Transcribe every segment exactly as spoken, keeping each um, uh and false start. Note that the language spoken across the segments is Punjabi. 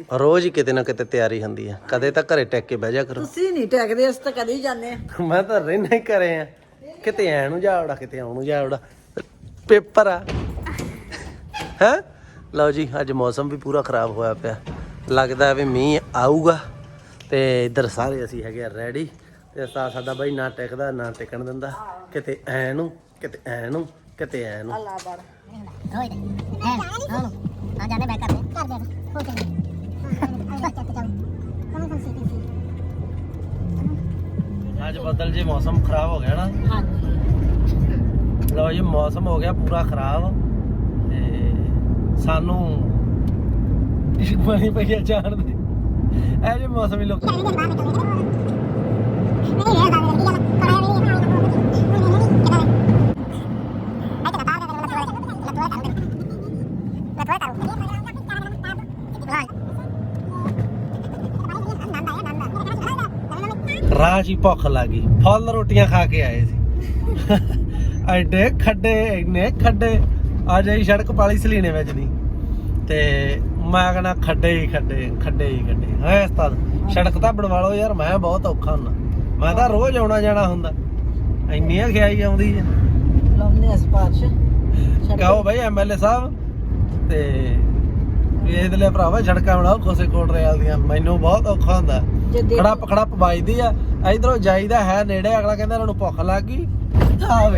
ਰੋਜ਼ ਹੀ ਕਿਤੇ ਨਾ ਕਿਤੇ ਤਿਆਰੀ ਹੁੰਦੀ ਆ। ਕਦੇ ਤਾਂ ਘਰੇ ਟੈਕ ਕੇ ਬਹਿ ਜਾ ਕਰੋ। ਤੁਸੀਂ ਨਹੀਂ ਟੈਕਦੇ, ਅਸੀਂ ਤਾਂ ਕਦੇ ਹੀ ਜਾਂਦੇ ਆ। ਮੈਂ ਤਾਂ ਰਹਿਣਾ ਹੀ ਘਰੇ ਆ, ਕਿਤੇ ਐ ਨੂੰ ਜਾ ਵੜਾ ਕਿਤੇ ਆਉਣ ਨੂੰ ਜਾ ਵੜਾ, ਪੇਪਰ ਆ ਹੈ। ਲਓ ਜੀ, ਅੱਜ ਮੌਸਮ ਵੀ ਪੂਰਾ ਖਰਾਬ ਹੋਇਆ ਪਿਆ, ਲੱਗਦਾ ਵੀ ਮੀਂਹ ਆਊਗਾ। ਤੇ ਇੱਧਰ ਸਾਰੇ ਅਸੀਂ ਹੈਗੇ ਆ ਰੈਡੀ। ਤੇ ਸਾ ਸਾਡਾ ਬਾਈ ਨਾ ਟਿਕਦਾ ਨਾ ਟਿਕਣ ਦਿੰਦਾ, ਕਿਤੇ ਐ ਨੂੰ ਕਿਤੇ ਐ ਨੂੰ ਕਿਤੇ ਐ ਨੂੰ। ਅੱਲਾ ਬੜ ਰੋਈ ਦੇ ਐ ਹਾਂ ਆ ਜਾਂਦੇ ਬੈਕ ਕਰਦੇ ਕਰ ਦੇ ਹੋ ਚੱਲ ਅੱਜ ਬੱਦਲ ਜੀ ਮੌਸਮ ਖਰਾਬ ਹੋ ਗਿਆ ਨਾ। ਹਾਂਜੀ ਲਓ ਜੀ, ਮੌਸਮ ਹੋ ਗਿਆ ਪੂਰਾ ਖਰਾਬ ਤੇ ਸਾਨੂੰ ਇੱਕ ਬਣੀ ਪਈ ਜਾਣ ਦੇ ਇਹ ਜੇ ਮੌਸਮ ਹੀ ਲੋਕ ਰਾਹ 'ਚ ਹੀ ਭੁੱਖ ਲੱਗ ਗਈ, ਫੁੱਲ ਰੋਟੀਆਂ ਖਾ ਕੇ ਆਏ ਸੀ। ਐਡੇ ਖੱਡੇ ਇੰਨੇ ਖੱਡੇ, ਅੱਜ ਅਸੀਂ ਸੜਕ ਪਾਲੀ ਸਲੀਣੇ ਵਿੱਚ ਦੀ ਤੇ ਮੈਂ ਕਹਿੰਦਾ ਖੱਡੇ ਹੀ ਖੱਡੇ ਖੱਡੇ ਹੀ ਖੱਡੇ ਹੈ। ਉਸਤਾਦ ਸੜਕ ਤਾਂ ਬਣਵਾ ਲਓ ਯਾਰ, ਮੈਂ ਬਹੁਤ ਔਖਾ ਹੁੰਦਾ, ਮੈਂ ਤਾਂ ਰੋਜ਼ ਆਉਣਾ ਜਾਣਾ ਹੁੰਦਾ, ਇੰਨੀਆਂ ਖਿਆਈ ਆਉਂਦੀ ਹੈ। ਲਾਉਂਦੇ ਆ ਸਪਾਰਸ਼ ਕਹੋ ਬਾਈ ਐਮ ਐਲ ਏ ਸਾਹਿਬ ਤੇ ਇਹਦੇ ਲਈ ਭਰਾਵਾ ਸੜਕਾਂ ਬਣਾਓ ਕੋਸੇ ਕੋਟ ਰਿਆਲ ਦੀਆਂ, ਮੈਨੂੰ ਬਹੁਤ ਔਖਾ ਹੁੰਦਾ। ਖੜੱਪ ਖੜੱਪ ਵੱਜਦੀ ਆ, ਇਧਰੋਂ ਜਾਈਦਾ ਹੈ ਨੇੜੇ, ਅਗਲਾ ਕਹਿੰਦਾ ਇਹਨਾਂ ਨੂੰ ਭੁੱਖ ਲੱਗ ਗਈ ਆਵੇ।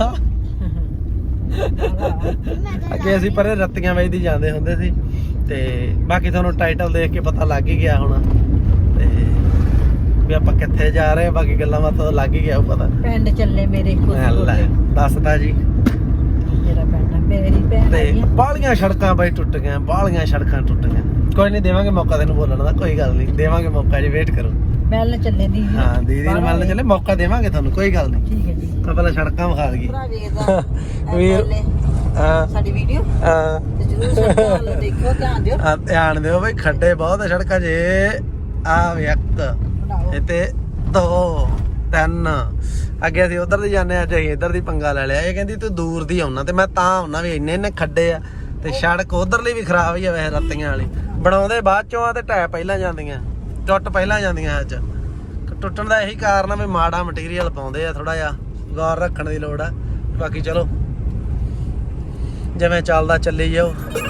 ਅੱਗੇ ਅਸੀਂ ਪਰੇ ਰੱਤੀਆਂ ਵੇਚਦੀ ਜਾਂਦੇ ਹੁੰਦੇ ਸੀ ਤੇ ਬਾਕੀ ਤੁਹਾਨੂੰ ਟਾਈਟਲ ਦੇਖ ਕੇ ਪਤਾ ਲੱਗ ਹੀ ਗਿਆ ਹੋਣਾ ਤੇ ਵੀ ਆਪਾਂ ਕਿੱਥੇ ਜਾ ਰਹੇ, ਬਾਕੀ ਗੱਲਾਂ ਬਾਤਾਂ ਲੱਗ ਹੀ ਗਿਆ ਪਤਾ। ਪਿੰਡ ਚੱਲੇ ਮੇਰੇ ਦੱਸਦਾ ਜੀ, ਮੇਰਾ ਪਿੰਡ ਮੇਰੀ ਭੈਣ ਤੇ ਬਾਹਲੀਆਂ ਸੜਕਾਂ ਬਾਈ ਟੁੱਟ ਗਈਆਂ, ਬਾਹਲੀਆਂ ਸੜਕਾਂ ਟੁੱਟ ਗਈਆਂ। ਕੋਈ ਨਹੀਂ, ਦੇਵਾਂਗੇ ਮੌਕਾ ਤੈਨੂੰ ਬੋਲਣ ਦਾ, ਕੋਈ ਗੱਲ ਨਹੀਂ, ਦੇਵਾਂਗੇ ਮੌਕਾ ਜੀ, ਵੇਟ ਕਰੋ। ਮਿਲਣ ਚੱਲੇ ਦੀਦੀ, ਹਾਂ ਦੀਦੀ ਨੂੰ ਮਿਲਣ ਚੱਲੇ, ਮੌਕਾ ਦੇਵਾਂਗੇ ਤੁਹਾਨੂੰ, ਕੋਈ ਗੱਲ ਨਹੀਂ। ਠੀਕ ਹੈ ਜੀ, ਤਾਂ ਪਹਿਲਾਂ ਸੜਕਾਂ ਵਿਖਾ ਦਈਏ ਭਰਾ ਵੇਖਦਾ ਵੀਰ। ਹਾਂ ਸਾਡੀ ਵੀਡੀਓ ਹਾਂ ਤੇ ਜਰੂਰ ਸੜਕਾਂ ਵੱਲ ਦੇਖਿਓ, ਧਿਆਨ ਦਿਓ। ਆ ਧਿਆਨ ਦਿਓ ਬਈ, ਖੱਡੇ ਬਹੁਤ ਆ ਸੜਕਾਂ 'ਚ। ਆ ਵੇ ਇੱਕ ਇੱਥੇ ਦੋ ਤਿੰਨ, ਅੱਗੇ ਅਸੀਂ ਉਧਰ ਦੀ ਜਾਂਦੇ ਆ, ਅਸੀਂ ਇੱਧਰ ਦੀ ਪੰਗਾ ਲੈ ਲਿਆ। ਇਹ ਕਹਿੰਦੀ ਤੂੰ ਦੂਰ ਦੀ ਆਉਣਾ ਤੇ ਮੈਂ ਤਾਂ ਆਉਣਾ ਵੀ ਇੰਨੇ ਇੰਨੇ ਖੱਡੇ ਆ ਤੇ ਸੜਕ ਉਧਰਲੀ ਵੀ ਖਰਾਬ ਹੀ ਆ ਵੈਸੇ, ਰੱਤੀਆਂ ਵਾਲੀ ਬਣਾਉਂਦੇ ਬਾਅਦ ਚੋਂ ਆ ਤੇ ਟਾਇਰ ਪਹਿਲਾਂ ਜਾਂਦੀਆਂ, ਟੁੱਟ ਪਹਿਲਾਂ ਜਾਂਦੀਆਂ। ਅੱਜ ਟੁੱਟਣ ਦਾ ਇਹੀ ਕਾਰਨ ਆ ਵੀ ਮਾੜਾ ਮਟੀਰੀਅਲ ਪਾਉਂਦੇ ਆ, ਥੋੜਾ ਜਿਹਾ ਗੌਰ ਰੱਖਣ ਦੀ ਲੋੜ ਆ। ਬਾਕੀ ਚਲੋ ਜਿਵੇਂ ਚੱਲਦਾ ਚੱਲੀ ਜਾਓ।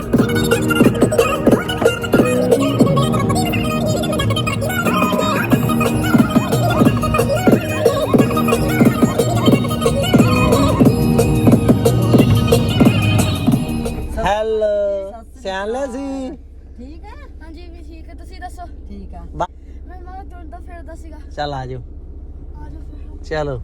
ਹੈਲੋ ਸਿਆਣਿਆ ਸੀ। ਠੀਕ ਹੈ ਹਾਂਜੀ ਵੀ ਠੀਕ ਹੈ, ਤੁਸੀਂ ਦੱਸੋ। ਠੀਕ ਆ, ਮੈਂ ਮਾਂ ਤੁਰਦਾ ਫਿਰਦਾ ਸੀਗਾ। ਚੱਲ ਆ ਜਾਓ, ਆ ਜਾਓ ਫਿਰ। ਚਲੋ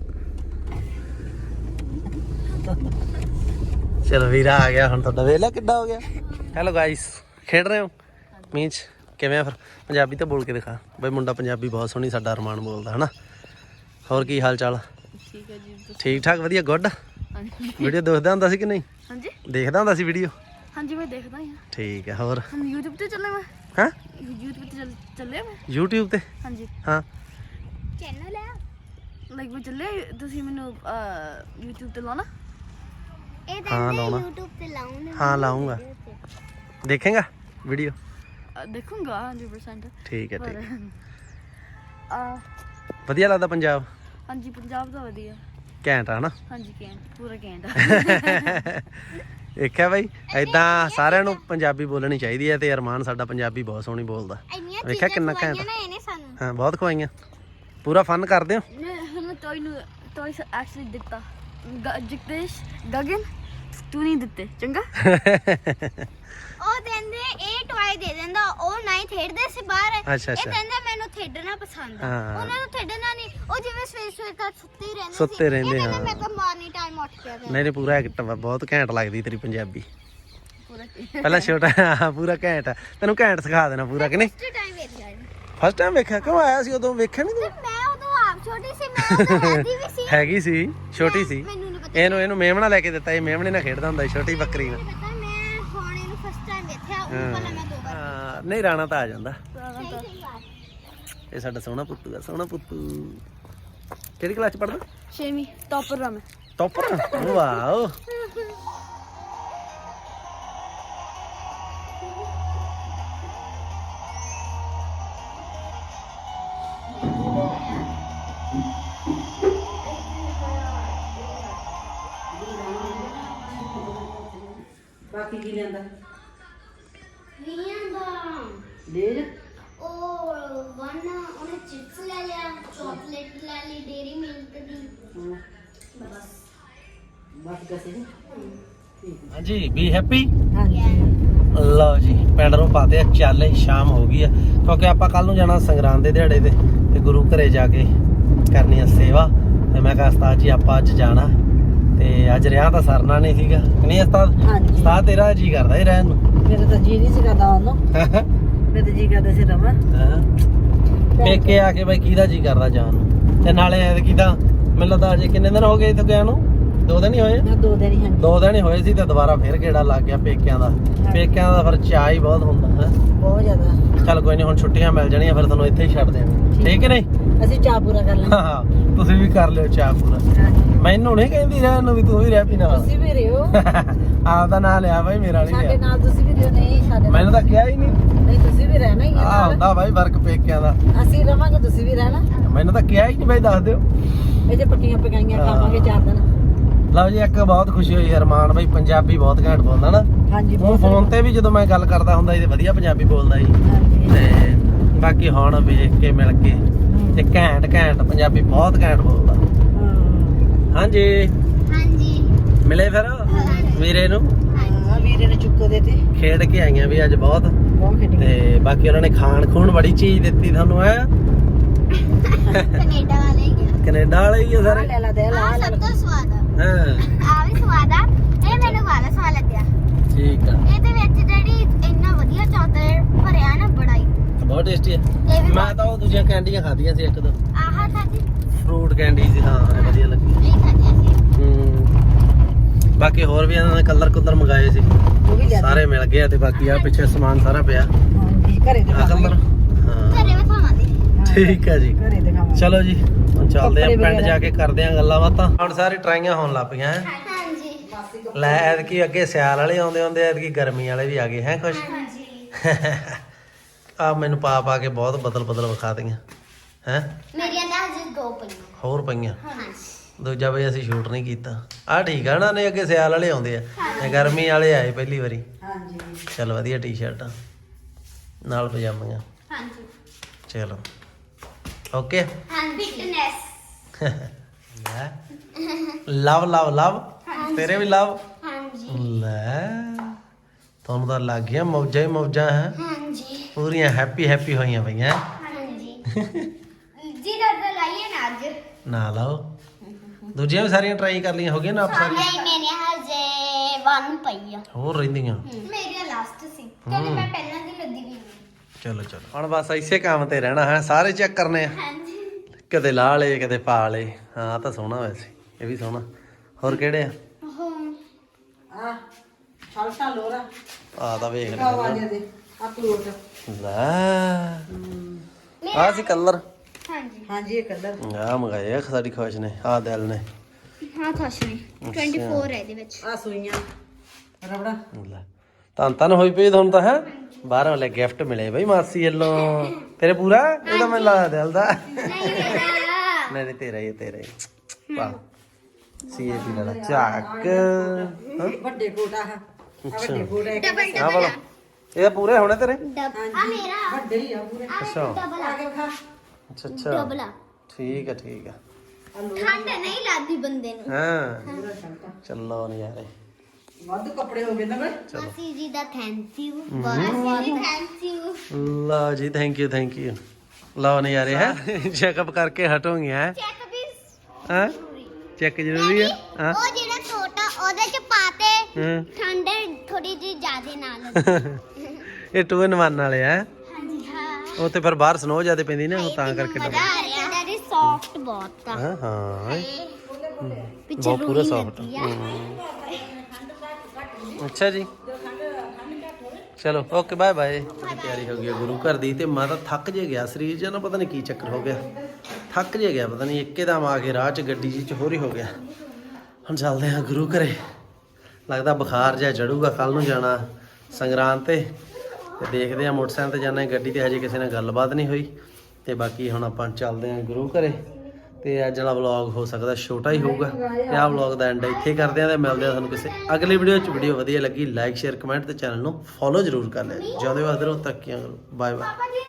ਚਲੋ ਵੀਰਾ ਆ ਗਿਆ ਹੁਣ ਤੁਹਾਡਾ, ਵੇਖ ਲਿਆ ਕਿੱਡਾ ਹੋ ਗਿਆ। ਹੈਲੋ ਗਾਇਸ, ਖੇਡ ਰਹੇ ਹੋ ਮੀਂਹ 'ਚ, ਕਿਵੇਂ ਆ ਫਿਰ? ਪੰਜਾਬੀ ਤਾਂ ਬੋਲ ਕੇ ਦਿਖਾ ਬਈ, ਮੁੰਡਾ ਪੰਜਾਬੀ ਬਹੁਤ ਸੋਹਣੀ ਸਾਡਾ ਅਰਮਾਨ ਬੋਲਦਾ ਹਨਾ। ਹੋਰ ਕੀ ਹਾਲ ਚਾਲ? ਠੀਕ ਹੈ ਜੀ, ਠੀਕ ਠਾਕ, ਵਧੀਆ, ਗੁੱਡ। ਹਾਂਜੀ ਵੀਡੀਓ ਦੇਖਦਾ ਹੁੰਦਾ ਸੀ ਕਿ ਨਹੀਂ? ਹਾਂਜੀ ਦੇਖਦਾ ਹੁੰਦਾ ਸੀ ਵੀਡੀਓ? ਹਾਂਜੀ ਮੈਂ ਦੇਖਦਾ ਹਾਂ। ਠੀਕ ਹੈ। ਹੋਰ ਹਾਂ YouTube ਤੇ ਚੱਲੇ ਮੈਂ, ਹਾਂ YouTube ਤੇ ਚੱਲ ਚੱਲੇ ਮੈਂ। YouTube ਤੇ? ਹਾਂਜੀ ਹਾਂ ਚੈਨਲ ਹੈ ਲਾਈਕ ਮੈਂ ਚੱਲੇ, ਤੁਸੀਂ ਮੈਨੂੰ YouTube ਤੇ ਲਾਉਣਾ। ਇਹ ਹਾਂ ਲਾਉਣਾ, YouTube ਤੇ ਲਾਉਣਾ। ਹਾਂ ਲਾਉਂਗਾ, ਦੇਖੇਗਾ ਵੀਡੀਓ? ਅਹ, ਦੇਖੂੰਗਾ ਹੰਡਰਡ ਪਰਸੈਂਟ। ਠੀਕ ਹੈ ਠੀਕ ਹੈ। ਆ ਵਧੀਆ ਲੱਗਦਾ ਪੰਜਾਬ? ਹਾਂਜੀ ਪੰਜਾਬ ਦਾ ਵਧੀਆ, ਘੈਂਟ ਆ ਨਾ? ਹਾਂਜੀ ਕੈਂਟ, ਪੂਰਾ ਕੈਂਟ। ਦੇਖਿਆ ਬਾਈ, ਏਦਾਂ ਸਾਰਿਆਂ ਨੂੰ ਪੰਜਾਬੀ ਬੋਲਣੀ ਚਾਹੀਦੀ ਹੈ ਤੇ ਅਰਮਾਨ ਸਾਡਾ ਪੰਜਾਬੀ ਬਹੁਤ ਸੋਹਣੀ ਬੋਲਦਾ। ਵੇਖਿਆ ਕਿੰਨਾ ਘੈਂਟ। ਹਾਂ ਬਹੁਤ ਖਵਾਈਆਂ, ਪੂਰਾ ਫਨ ਕਰਦੇ ਹੋ। ਮੈਂ ਟੋਏ ਨੂੰ ਟੋਏ ਐਕਚੁਅਲੀ ਦਿੱਤਾ, ਜਗਦੇਸ਼ ਗਗਨ ਤੂੰ ਨਹੀਂ ਦਿੱਤੇ, ਚੰਗਾ। ਉਹ ਕਹਿੰਦੇ ਇਹ ਟੋਏ ਦੇ ਦਿੰਦਾ, ਉਹ ਨਹੀਂ ਖੇਡਦੇ ਸੀ ਬਾਹਰ। ਅੱਛਾ ਇਹ ਅੱਛਾ, ਕਹਿੰਦਾ ਮੈਨੂੰ ਖੇਡਣਾ ਪਸੰਦ ਆ, ਹਾਂ। ਉਹਨਾਂ ਨੂੰ ਖੇਡਣਾ ਨਹੀਂ, ਉਹ ਜਿਵੇਂ ਸਵੇਰ ਸਵੇਰ ਤੱਕ ਸੁੱਤੇ ਹੀ ਰਹਿੰਦੇ ਸੀ। ਸੁੱਤੇ ਰਹਿੰਦੇ, ਇਹ ਕਹਿੰਦਾ ਹਾਂ। ਮੈਂ ਤਾਂ ਮਾਰਨਿੰਗ ਟਾਈਮ ਉੱਠ ਕੇ ਨਹੀਂ ਨਹੀਂ ਪੂਰਾ ਐਕਟਿਵ ਆ, ਬਹੁਤ ਘੈਂਟ ਲੱਗਦੀ ਤੇਰੀ ਪੰਜਾਬੀ। ਪੂਰਾ ਪਹਿਲਾਂ ਛੋਟਾ, ਹਾਂ ਪੂਰਾ ਘੈਂਟ ਆ, ਤੈਨੂੰ ਘੈਂਟ ਸਿਖਾ ਦੇਣਾ ਪੂਰਾ ਕਿ ਨਹੀਂ? ਫਸਟ ਟਾਈਮ ਵੇਖਿਆ ਇਹ। ਫਸਟ ਟਾਈਮ ਵੇਖਿਆ? ਕਿਉਂ ਆਇਆ ਸੀ ਉਦੋਂ, ਵੇਖਿਆ ਨਹੀਂ ਤੂੰ? ਮੈਂ ਉਦੋਂ ਆਪ ਛੋਟੀ ਸੀ, ਮੈਂ ਉਦੋਂ ਹੈਗੀ ਵੀ ਸੀ। ਹੈਗੀ ਸੀ, ਛੋਟੀ ਸੀ। ਮੈਨੂੰ ਨਹੀਂ ਪਤਾ, ਇਹਨੂੰ ਇਹਨੂੰ ਮੇਮਣਾ ਲੈ ਕੇ ਦਿੱਤਾ, ਇਹ ਮੇਮਣੇ ਨਾਲ ਖੇਡਦਾ ਹੁੰਦਾ ਸੀ, ਛੋਟੀ ਬੱਕਰੀ ਨਾਲ। ਮੈਨੂੰ ਪਤਾ, ਮੈਂ ਹੁਣ ਇਹਨੂੰ ਫਸਟ ਟਾਈਮ ਵੇਖਿਆ, ਉਹ ਪਹਿਲਾਂ ਮੈਂ ਦੋ ਵਾਰ ਹਾਂ ਨਹੀਂ ਰਾਣਾ ਤਾਂ ਆ ਜਾਂਦਾ। ਸਹੀ ਸਹੀ ਬਾਤ। ਇਹ ਸਾਡਾ ਸੋਹਣਾ ਪੁੱਤੂ ਆ, ਸੋਹਣਾ ਪੁੱਤੂ। ਕਿਹੜੀ ਕਲਾਸ ਚ ਪੜਦਾ? ਛੇਵੀਂ ਟੌਪਰ ਆ ਮੈਂ। ਟੌਪਰ? ਵਾਓ। ਬਾਕੀ ਕੀ ਲੈਂਦਾ ਵੀਆਂ ਦਾ ਲੈ ਜਾ ਉਹ ਵਨ ਉਹਨੇ ਚਿਪਸ ਲੈ ਲਿਆ ਚਾਕਲੇਟ ਲੈ ਲਈ ਡੇਰੀ ਮਿਲਕ ਦੀ ਬਸ ਬਸ ਕਸੇ ਹਾਂਜੀ ਬੀ ਹੈਪੀ। ਹਾਂਜੀ ਲਓ ਜੀ ਪਿੰਡ ਨੂੰ ਪਾਤੇ ਆ ਚੱਲ ਸ਼ਾਮ ਹੋ ਗਈ ਆ ਕਿਉਂਕਿ ਆਪਾਂ ਕੱਲ ਨੂੰ ਜਾਣਾ ਸੰਗਰਾਂਦ ਦੇ ਦਿਹਾੜੇ ਤੇ ਤੇ ਗੁਰੂ ਘਰੇ ਜਾ ਕੇ ਕਰਨੀ ਆ ਸੇਵਾ ਤੇ ਮੈਂ ਕਿਹਾ ਉਸਤਾਦ ਜੀ ਆਪਾਂ ਅੱਜ ਜਾਣਾ ਤੇ ਅੱਜ ਰਿਆਂ ਤਾਂ ਸਰਨਾ ਨਹੀਂ ਸੀਗਾ ਕਿ ਨਹੀਂ ਉਸਤਾਦ? ਹਾਂਜੀ ਉਸਤਾਦ ਤੇਰਾ ਜੀ ਕਰਦਾ ਹੀ ਰਹਿਣ ਨੂੰ। ਮੇਰਾ ਤਾਂ ਜੀ ਨਹੀਂ ਸੀ ਕਰਦਾ ਉਹਨੂੰ ਮੈਂ ਤਾਂ ਜੀ ਕਰਦਾ ਸੀ ਰਵਾਂ ਹਾਂ ਪੇਕੇ ਆ ਕੇ ਬਈ ਕਿਹਦਾ ਜੀ ਕਰਦਾ ਜਾਣ ਨੂੰ ਤੇ ਨਾਲੇ ਐਤਕੀ ਤਾਂ ਮੈਨੂੰ ਲੱਗਦਾ ਅਜੇ ਕਿੰਨੇ ਦਿਨ ਹੋ ਗਏ ਇੱਥੇ ਗਿਆ ਨੂੰ? ਦੋ ਦਿਨ ਹੀ ਹੋਏ? ਮੈਂ ਦੋ ਦਿਨ ਹੀ ਹਾਂ ਦੋ ਦਿਨ ਹੀ ਹੋਏ ਸੀ ਤੇ ਦੁਬਾਰਾ ਫੇਰ ਗੇੜਾ ਲੱਗ ਗਿਆ ਪੇਕਿਆਂ ਦਾ। ਪੇਕਿਆਂ ਦਾ ਫਿਰ ਚਾਅ ਹੀ ਬਹੁਤ ਹੁੰਦਾ ਹੈ। ਬਹੁਤ ਜ਼ਿਆਦਾ ਚੱਲ ਕੋਈ ਨਹੀਂ ਹੁਣ ਛੁੱਟੀਆਂ ਮਿਲ ਜਾਣੀਆਂ ਫਿਰ ਤੁਹਾਨੂੰ ਇੱਥੇ ਹੀ ਛੱਡ ਦੇਣਾ ਠੀਕ ਹੈ ਨਹੀਂ? ਅਸੀਂ ਚਾਹ ਪੂਰਾ ਕਰ ਲੈਂਦੇ ਹਾਂ ਤੁਸੀਂ ਵੀ ਕਰ ਲਿਓ ਚਾਅ ਪੂਰਾ। ਮੈਨੂੰ ਨਹੀਂ ਕਹਿੰਦੀ ਰਹਿਣ ਨੂੰ ਵੀ ਤੂੰ ਵੀ ਰਹਿ ਪੀ ਨਾਲ। ਤੁਸੀਂ ਵੀ ਰਿਓ ਆਪਦਾ ਨਾਂ ਲਿਆ ਬਾਈ ਮੇਰਾ ਨਹੀਂ ਸਾਡੇ ਲਿਆ। ਨਾਲ ਤੁਸੀਂ ਵੀ ਰਿਓ ਨਹੀਂ ਸਾਡੇ ਮੈਨੂੰ ਤਾਂ ਕਿਹਾ ਹੀ ਨਹੀਂ। ਨਹੀਂ ਤੁਸੀਂ ਵੀ ਰਹਿਣਾ ਹੀ ਹੈ ਆ ਨਾਲ। ਹੁੰਦਾ ਬਾਈ ਫਰਕ ਪੇਕਿਆਂ ਦਾ। ਅਸੀਂ ਰਵਾਂਗੇ ਤੁਸੀਂ ਵੀ ਰਹਿਣਾ ਮੈਨੂੰ ਤਾਂ ਕਿਹਾ ਹੀ ਨਹੀਂ ਬਾਈ ਦੱਸ ਦਿਓ। ਇਹ ਤੇ ਪੱਕੀਆਂ ਪਕਾਈਆਂ ਹਾਂ। ਖਾਵਾਂਗੇ ਚਾਰ ਦਿਨ ਲਓ ਜੀ ਇੱਕ ਬਹੁਤ ਖੁਸ਼ੀ ਹੋਈ ਹਰਮਾਨ ਬਾਈ ਪੰਜਾਬੀ ਬਹੁਤ ਘੈਂਟ ਬੋਲਦਾ ਨਾ। ਹਾਂਜੀ ਉਹ ਫੋਨ ਤੇ ਵੀ ਜਦੋਂ ਮੈਂ ਗੱਲ ਕਰਦਾ ਹੁੰਦਾ ਸੀ ਤੇ ਵਧੀਆ ਪੰਜਾਬੀ ਬੋਲਦਾ ਸੀ ਹਾਂਜੀ ਤੇ ਬਾਕੀ ਹੁਣ ਵੇਖ ਕੇ ਮਿਲ ਕੇ ਤੇ ਘੈਂਟ ਘੈਂਟ ਪੰਜਾਬੀ ਬਹੁਤ ਘੈਂਟ ਬੋਲਦਾ। ਹਾਂ ਹਾਂਜੀ ਹਾਂਜੀ ਮਿਲੇ ਫਿਰ ਵੀਰੇ ਨੂੰ ਹਾਂ ਵੀਰੇ ਨੇ ਚੁੱਕੋ ਦੇ ਤੇ ਖੇਡ ਕੇ ਆਈਆਂ ਵੀ ਅੱਜ ਬਹੁਤ ਬਹੁਤ ਖੇਡੀ ਤੇ ਬਾਕੀ ਉਹਨਾਂ ਨੇ ਖਾਣ ਖੂਣ ਬੜੀ ਚੀਜ਼ ਦਿੱਤੀ ਤੁਹਾਨੂੰ ਐ ਕੈਨੇਡਾ ਵਾਲੇ ਹੀ ਗਿਆ ਕੈਨੇਡਾ ਵਾਲੇ ਹੀ ਆ ਆ ਸਾਰੇ। ਲੈ ਲਾ ਦੇ ਲਾ ਆ ਲੈ ਸਭ ਤੋਂ ਸਵਾਦ ਆ ਹਾਂ ਆ ਵੀ ਸਵਾਦ ਆ ਇਹ ਮੈਨੂੰ ਵਾਲਾ ਸਵਾਦ ਲੱਗਿਆ ਠੀਕ ਆ ਇਹਦੇ ਵਿੱਚ ਜਿਹੜੀ ਇੰਨਾ ਵਧੀਆ ਚਾਕਲੇਟ ਭਰਿਆ ਨਾ ਬੜਾ ਹੀ ਬਹੁਤ ਟੇਸਟੀ ਆ। ਇਹ ਵੀ ਮੈਂ ਤਾਂ ਉਹ ਦੂਜੀਆਂ ਕੈਂਡੀਆਂ ਖਾਧੀਆਂ ਸੀ ਇੱਕ ਦੋ ਆਹ ਖਾਦੀ ਫਰੂਟ ਕੈਂਡੀ ਸੀ ਹਾਂ ਇਹ ਵਧੀਆ ਲੱਗੀ। ਨਹੀਂ ਖਾਦੀ ਸੀ ਹੂੰ ਬਾਕੀ ਹੋਰ ਵੀ ਇਹਨਾਂ ਨੇ ਕਲਰ ਕੁਲਰ ਮੰਗਾਏ ਸੀ ਉਹ ਵੀ ਲੈ ਸਾਰੇ ਮਿਲ ਗਏ ਆ ਤੇ ਬਾਕੀ ਆ ਪਿੱਛੇ ਸਮਾਨ ਸਾਰਾ ਪਿਆ ਹਾਂਜੀ ਘਰੇ ਆ ਕਲਰ ਦਿਖਾਵਾਂਗੇ ਹਾਂ ਘਰੇ ਵਿਖਾਵਾਂਗੇ ਠੀਕ ਆ ਜੀ। ਘਰੇ ਦਿਖਾਵਾਂਗੇ ਚਲੋ ਜੀ ਹੁਣ ਚੱਲਦੇ ਆ ਕੱਪੜੇ ਪਿੰਡ ਵਗੈਰਾ। ਜਾ ਕੇ ਕਰਦੇ ਆ ਗੱਲਾਂ ਬਾਤਾਂ। ਹੁਣ ਸਾਰੀ ਟਰਾਈਆਂ ਹੋਣ ਲੱਗ ਪਈਆਂ ਹੈਂ। ਹਾਂਜੀ ਲੈ ਐਤਕੀ ਅੱਗੇ ਸਿਆਲ ਵਾਲੇ ਆਉਂਦੇ ਹੁੰਦੇ ਐਤਕੀ ਗਰਮੀ ਵਾਲੇ ਵੀ ਆ ਗਏ ਹੈ ਕੁਛ ਹਾਂਜੀ ਆ ਮੈਨੂੰ ਪਾ ਪਾ ਕੇ ਬਹੁਤ ਬਦਲ ਬਦਲ ਵਿਖਾ ਦਈਆਂ ਹੈ ਮੇਰੀਆਂ ਤਾਂ ਹਜੇ ਦੋ ਪਈਆਂ ਹੋਰ ਪਈਆਂ ਹਾਂਜੀ ਦੂਜਾ ਬਈ ਅਸੀਂ ਸ਼ੂਟ ਨਹੀਂ ਕੀਤਾ ਆ ਠੀਕ ਆ ਨਾ ਨੇ ਅੱਗੇ ਸਿਆਲ ਵਾਲੇ ਆਉਂਦੇ ਆ ਇਹ ਗਰਮੀ ਵਾਲੇ ਆਏ ਪਹਿਲੀ ਵਾਰੀ। ਹਾਂਜੀ ਚਲ ਵਧੀਆ ਟੀ-ਸ਼ਰਟਾਂ ਨਾਲ ਪਜਾਮੀਆਂ ਹਾਂਜੀ ਚਲੋ ਓਕੇ ਹਾਂਜੀ ਫਿਟਨੈਸ ਲੈ ਲਵ ਲਵ ਲਵ ਤੇਰੇ ਵੀ ਲਵ ਹਾਂਜੀ ਲੈ ਤੁਹਾਨੂੰ ਤਾਂ ਲੱਗ ਗਿਆ ਮੌਜਾਂ ਹੀ ਮੌਜਾਂ ਹੈ ਹਾਂਜੀ ਪੂਰੀਆਂ ਹੈਪੀ ਹੈਪੀ ਹੋਈਆਂ ਪਈਆਂ ਹਾਂਜੀ ਜੀ ਦਾਦਾ ਲਾਈਏ ਨਾ ਅੱਜ ਨਾ ਲਾਓ ਦੂਜੀਆਂ ਵੀ ਸਾਰੀਆਂ ਟਰਾਈ ਕਰ ਲਈਆਂ ਹੋ ਗਈਆਂ ਨਾ ਆਪ ਸਾਰੀਆਂ ਨਹੀਂ ਮੇਰੇ ਹਜੇ ਵਨ ਪਈ ਆ ਹੋਰ ਰਹਿੰਦੀਆਂ ਮੇਰੀ ਲਾਸਟ ਸੀ ਕਿਉਂਕਿ ਮੈਂ ਪਹਿਲਾਂ ਦੀ ਲੱਦੀ ਵੀ ਨਹੀਂ ਚਲੋ ਚਲੋ ਹੁਣ ਬਸ ਇਸੇ ਕੰਮ ਤੇ ਰਹਿਣਾ ਹੈ ਸਾਰੇ ਚੈੱਕ ਕਰਨੇ ਆ ਹਾਂਜੀ ਕਦੇ ਲਾ ਲਏ ਕਦੇ ਪਾ ਲਏ ਹਾਂ ਤਾਂ ਸੋਹਣਾ ਵੈਸੇ ਇਹ ਵੀ ਸੋਹਣਾ ਹੋਰ ਕਿਹੜੇ ਆ ਆ ਛਲਟਾ ਲੋਰਾ ਆ ਤਾਂ ਵੇਖ ਆਵਾਜ਼ ਲੈ ਦੇ ਆ ਕਲੋਟ ਲੈ ਆ ਸੀ ਕਲਰ ਹਾਂਜੀ ਹਾਂਜੀ ਇਹ ਕਲਰ ਆ ਮੰਗਾਏ ਆ ਸਾਡੀ ਖੁਸ਼ ਨੇ ਆ ਦਿਲ ਨੇ ਹਾਂ ਖੁਸ਼ਨੀ ਚੌਵੀ ਹੈ ਇਹਦੇ ਵਿੱਚ ਆ ਸੂਈਆਂ ਰਬੜਾ ਲੈ ਤਾਂ ਤਨ ਹੋਈ ਪਈ ਤੁਹਾਨੂੰ ਤਾਂ ਹੈ ਬਾਹਰੋਂ ਵਾਲੇ ਗਿਫਟ ਮਿਲੇ ਬਈ ਮਾਸੀ ਵੱਲੋਂ ਤੇਰੇ ਪੂਰਾ ਇਹ ਤਾਂ ਮੈਨੂੰ ਲੱਗਦਾ ਦਿਲ ਦਾ ਨਹੀਂ ਮੇਰਾ ਨਹੀਂ ਨਹੀਂ ਤੇਰਾ ਹੀ ਹੈ, ਤੇਰਾ ਹੀ ਵਾਹ ਸੀ ਇਹ ਵੀ ਲੜਾ ਚੱਕ ਹਾਂ ਵੱਡੇ ਕੋਟ ਆ ਆ ਵੱਡੇ ਕੋਟ ਹੈ ਡਬਲ ਆ ਵਾਲਾ ਇਹ ਪੂਰੇ ਹੋਣੇ ਤੇਰੇ ਡਬਲ ਆ ਮੇਰਾ ਵੱਡੇ ਹੀ ਆ ਪੂਰੇ ਅੱਛਾ ਡਬਲ ਆ ਕੇ ਖਾ ਅੱਛਾ ਅੱਛਾ ਡਬਲ ਆ ਠੀਕ ਹੈ ਠੀਕ ਹੈ ਠੰਡ ਨਹੀਂ ਲੱਗਦੀ ਬੰਦੇ ਨੂੰ ਹਾਂ ਪੂਰਾ ਛਲਟਾ ਚੱਲੋ ਨਜ਼ਾਰੇ ਵੱਧ ਕੱਪੜੇ ਹੋ ਗਏ ਨਾ ਬਈ ਮਾਸੀ ਜੀ ਦਾ ਥੈਂਕ ਯੂ ਮਾਸੀ ਜੀ ਥੈਂਕ ਯੂ ਲਓ ਜੀ ਥੈਂਕ ਯੂ ਥੈਂਕ ਯੂ ਲਓ ਨਜ਼ਾਰੇ ਹੈ ਚੈੱਕਅਪ ਕਰਕੇ ਹਟੋਗੇ ਹੈ ਚੈੱਕ ਵੀ ਹਾਂ ਚੈੱਕ ਜ਼ਰੂਰੀ ਹੈ ਹਾਂ ਉਹ ਜਿਹੜਾ ਛੋਟਾ ਉਹਦੇ ਚ ਪਾਤੇ ਹਾਂ ਠੰਡ ਥੋੜੀ ਜੀ ਜ਼ਿਆਦੇ ਨਾਲ ਇਹ ਟੂ ਇਨ ਵਨ ਵਾਲੇ ਆ ਹਾਂਜੀ ਹਾਂ ਉੱਥੇ ਫਿਰ ਬਾਹਰ ਸਨੋ ਜ਼ਿਆਦਾ ਪੈਂਦੀ ਨਾ ਉਹ ਤਾਂ ਕਰਕੇ ਮਜ਼ਾ ਆ ਰਿਹਾ ਡੈਡੀ ਸੌਫਟ ਬਹੁਤ ਆ ਹਾਂ ਹਾਂ ਪਿੱਛੇ ਬਹੁਤ ਪੂਰਾ ਰੂਹੀ ਸੌਫਟ ਲੱਗੀ ਆ ਅੱਛਾ ਜੀ ਚਲੋ ਓਕੇ ਬਾਏ ਬਾਏ ਤਿਆਰੀ ਹੋ ਗਈ ਹੈ ਗੁਰੂ ਘਰ ਦੀ ਤੇ ਮੈਂ ਤਾਂ ਥੱਕ ਜੇ ਗਿਆ ਸਰੀਰ ਜਾਂ ਨਾ ਪਤਾ ਨਹੀਂ ਕੀ ਚੱਕਰ ਹੋ ਗਿਆ ਥੱਕ ਜੇ ਗਿਆ ਪਤਾ ਨਹੀਂ ਇੱਕੇਦਮ ਆ ਕੇ ਰਾਹ 'ਚ ਗੱਡੀ ਜੀ 'ਚ ਹੋਰ ਹੀ ਹੋ ਗਿਆ ਹੁਣ ਚੱਲਦੇ ਹਾਂ ਗੁਰੂ ਘਰੇ ਲੱਗਦਾ ਬੁਖਾਰ ਜਿਹਾ ਚੜੂਗਾ ਕੱਲ ਨੂੰ ਜਾਣਾ ਸੰਗਰਾਂਦ ਤੇ ਤੇ ਦੇਖਦੇ ਹਾਂ ਮੋਟਰਸਾਈਕਲ ਤੇ ਜਾਣਾ ਗੱਡੀ ਤੇ ਹਜੇ ਕਿਸੇ ਨਾਲ ਗੱਲਬਾਤ ਨਹੀਂ ਹੋਈ ਤੇ ਬਾਕੀ ਹੁਣ ਆਪਾਂ ਚੱਲਦੇ ਹਾਂ ਗੁਰੂ ਘਰੇ ਤੇ ਅੱਜ ਵਾਲਾ ਵਲੌਗ ਹੋ ਸਕਦਾ ਛੋਟਾ ਹੀ ਹੋਊਗਾ ਤੇ ਆਹ ਵਲੌਗ ਦਾ ਐਂਡ ਇੱਥੇ ਕਰਦੇ ਆ ਤੇ ਮਿਲਦੇ ਆ ਤੁਹਾਨੂੰ ਕਿਸੇ ਅਗਲੀ ਵੀਡੀਓ 'ਚ। ਵੀਡੀਓ ਵਧੀਆ ਲੱਗੀ ਲਾਈਕ ਸ਼ੇਅਰ ਕਮੈਂਟ ਤੇ ਚੈਨਲ ਨੂੰ ਫੋਲੋ ਜ਼ਰੂਰ ਕਰ ਲਿਓ। ਜਿਉਂਦੇ ਵਾਸਤੇ ਰਹੋ, ਤਰੱਕੀਆਂ ਕਰੋ। Bye bye.